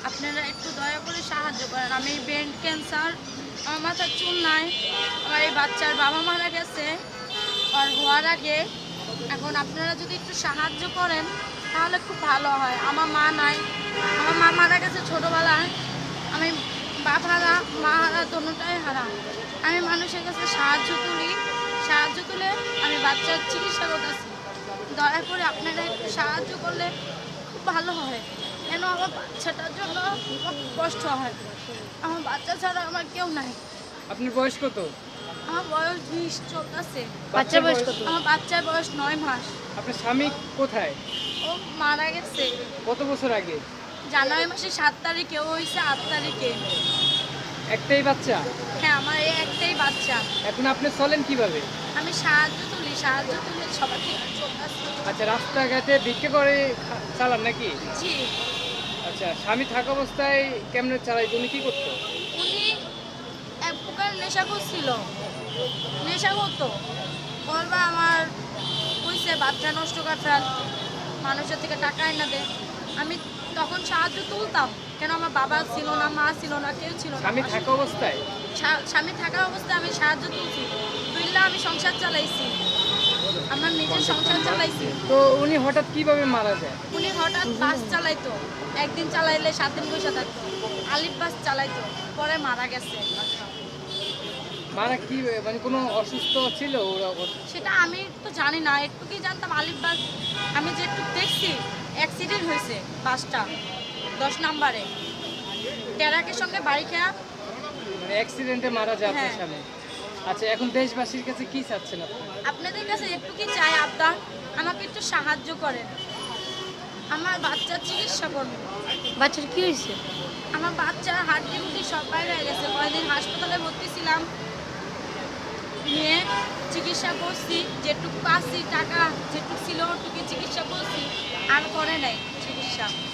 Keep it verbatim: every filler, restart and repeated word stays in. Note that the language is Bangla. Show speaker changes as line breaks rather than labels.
আপনারা একটু দয়া করে সাহায্য করেন। আমি ব্রেন ক্যান্সার, আমার মাথার চুল নাই, আমার এই বাচ্চার বাবা মারা গেছে আর হওয়ার আগে। এখন আপনারা যদি একটু সাহায্য করেন তাহলে খুব ভালো হয়। আমার মা নাই, আমার মা মারা গেছে ছোটোবেলায়। আমি বাপ হারা মা হারা দোনোটাই হারা। আমি মানুষের কাছে সাহায্য তুলি, সাহায্য তুলে আমি বাচ্চার চিকিৎসা করতেছি। দয়া করে আপনারা একটু সাহায্য করলে খুব ভালো হয়। কেন আমার বাচ্চাটার জন্য খুব কষ্ট হয়। আমার বাচ্চা ছাড়া আমার কেউ নাই।
আপনার বয়স কত?
আমার বয়স বিশ চলতেছে।
বাচ্চার বয়স কত?
আমার বাচ্চার বয়স নয় মাস।
আপনার স্বামী কোথায়?
ও মারা গেছে
কত বছর আগে?
জানুয়ারি মাসে সাত তারিখে, ও হয়েছে আট তারিখে।
একটাই বাচ্চা?
হ্যাঁ, আমার এই একটাই বাচ্চা।
এখন আপনি চলেন কিভাবে?
আমি সাহায্য তুলি, সাহায্য তুলে সবার থেকে চলতেছি।
আচ্ছা, রাস্তাঘাটে ভিক্ষা করে খা- চালান নাকি?
জি,
আচ্ছা, স্বামী থাকা অবস্থায় কেমনে চালাই? উনি কি করতো?
উনি এক প্রকার নেশা করছিল, নেশা করতো। বলবা আমার কইছে বাচ্চা নষ্ট করে ফেল, মানুষের থেকে টাকা এনে দে। আমি তখন সাহায্য তুলতাম, কেন আমার বাবা ছিল না, মা ছিল না, কেউ ছিল না।
স্বামী থাকা অবস্থায়?
স্বা- স্বামী থাকা অবস্থায় আমি সাহায্য তুলছি, তুললে আমি সংসার চালাইছি, আমার নিজের সংসার চালাইছি।
তো উনি হঠাৎ কিভাবে মারা যায়?
উনি হঠাৎ বাস চালাইতো, একদিন চালাইলে সাত দিন পয়সা থাকতো। আলিফ বাস চালাইতো, পরে মারা গেছে।
মারা কি মানে কোনো অসুস্থ ছিল ওরা? ওর-
সেটা আমি তো জানি না, একটু কি জানতাম আলিফ বাস। আমি যে একটু দেখছি অ্যাক্সিডেন্ট হয়েছে বাসটা দশ নাম্বারে, ট্রাকের সঙ্গে বাড়ি খেয়া।
মানে অ্যাক্সিডেন্টে মারা যায় আপনার
হ্যাঁ।
স্বামী। আচ্ছা, এখন দেশবাসীর কাছে কি চাচ্ছেন আপনি?
আপনাদের কাছে একটু কি চাই আবদার, আমাকে একটু সাহায্য করেন। আমার বাচ্চার চিকিৎসা করবো।
বাচ্চার কি হয়েছে?
আমার বাচ্চার হাড্ডি গুড্ডি সব বাইরে হয়ে গেছে। কয়েকদিন হাসপাতালে ভর্তি ছিলাম, নিয়ে চিকিৎসা করছি, যেটুকু পাচ্ছি টাকা যেটুকু ছিল ওটুকু চিকিৎসা করছি, আর করে নাই চিকিৎসা।